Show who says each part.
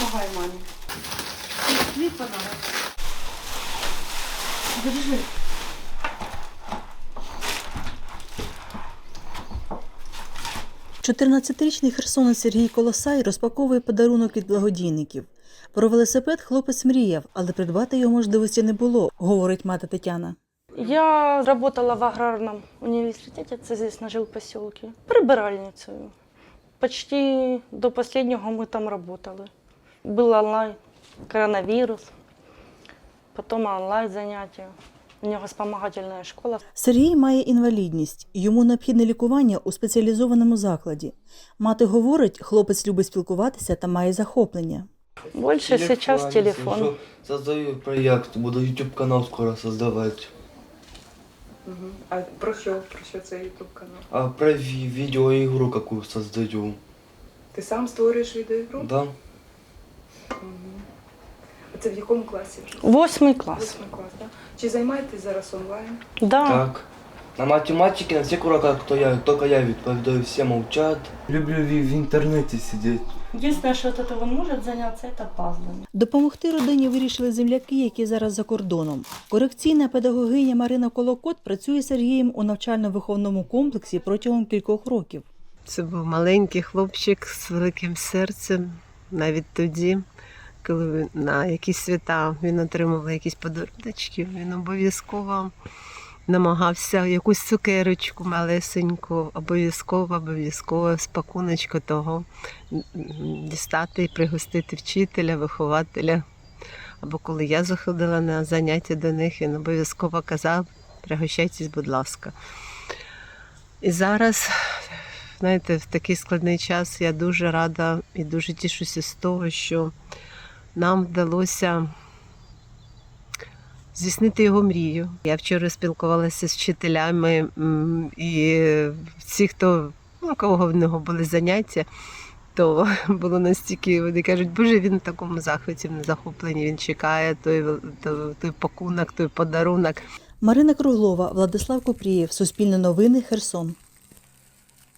Speaker 1: Помагай мамі. Твій подарок. Держи.
Speaker 2: Чотирнадцятирічний херсонець Сергій Колосай розпаковує подарунок від благодійників. Про велосипед хлопець мріяв, але придбати його можливості не було, говорить мати Тетяна.
Speaker 3: Я работала в аграрном университете, це здесь на жилпоселке, прибиральницею. Почти до последнего мы там работали. Был онлайн, коронавирус, потом онлайн заняття. У нього спомагательна школа.
Speaker 2: Сергій має інвалідність, йому необхідне лікування у спеціалізованому закладі. Мати говорить, хлопець любить спілкуватися та має захоплення.
Speaker 3: Більше зараз телефон.
Speaker 4: Создаю проект, буду YouTube канал скоро создавать.
Speaker 1: А про що? Про що цей YouTube канал?
Speaker 4: А про видеоигру какую создаю.
Speaker 1: Ти сам створюєш відеоігру?
Speaker 4: Да.
Speaker 1: А це в якому класі вже?
Speaker 3: 8 клас.
Speaker 1: 8 клас, так? Чи займаєтесь зараз онлайн?
Speaker 3: Да.
Speaker 4: Так. На математике, на всех уроках, только я відповідаю, все молчат. Люблю в интернете сидеть.
Speaker 3: Єдине, що від цього може зайнятися, це пазлами.
Speaker 2: Допомогти родині вирішили земляки, які зараз за кордоном. Корекційна педагогиня Марина Колокот працює з Сергієм у навчально-виховному комплексі протягом кількох років.
Speaker 5: Це був маленький хлопчик з великим серцем. Навіть тоді, коли на якісь свята він отримував якісь подарунки, він обов'язково намагався якусь цукерочку малесеньку, обов'язково з пакуночку того дістати і пригостити вчителя, вихователя. Або коли я заходила на заняття до них, він обов'язково казав: пригощайтесь, будь ласка. І зараз, знаєте, в такий складний час я дуже рада і дуже тішуся з того, що нам вдалося здійснити його мрію. Я вчора спілкувалася з вчителями і всі, у кого в нього були заняття, то було настільки, вони кажуть, Боже, він в такому захваті, в захопленні, він чекає той пакунок, той подарунок.
Speaker 2: Марина Круглова, Владислав Купрієв, Суспільне новини, Херсон.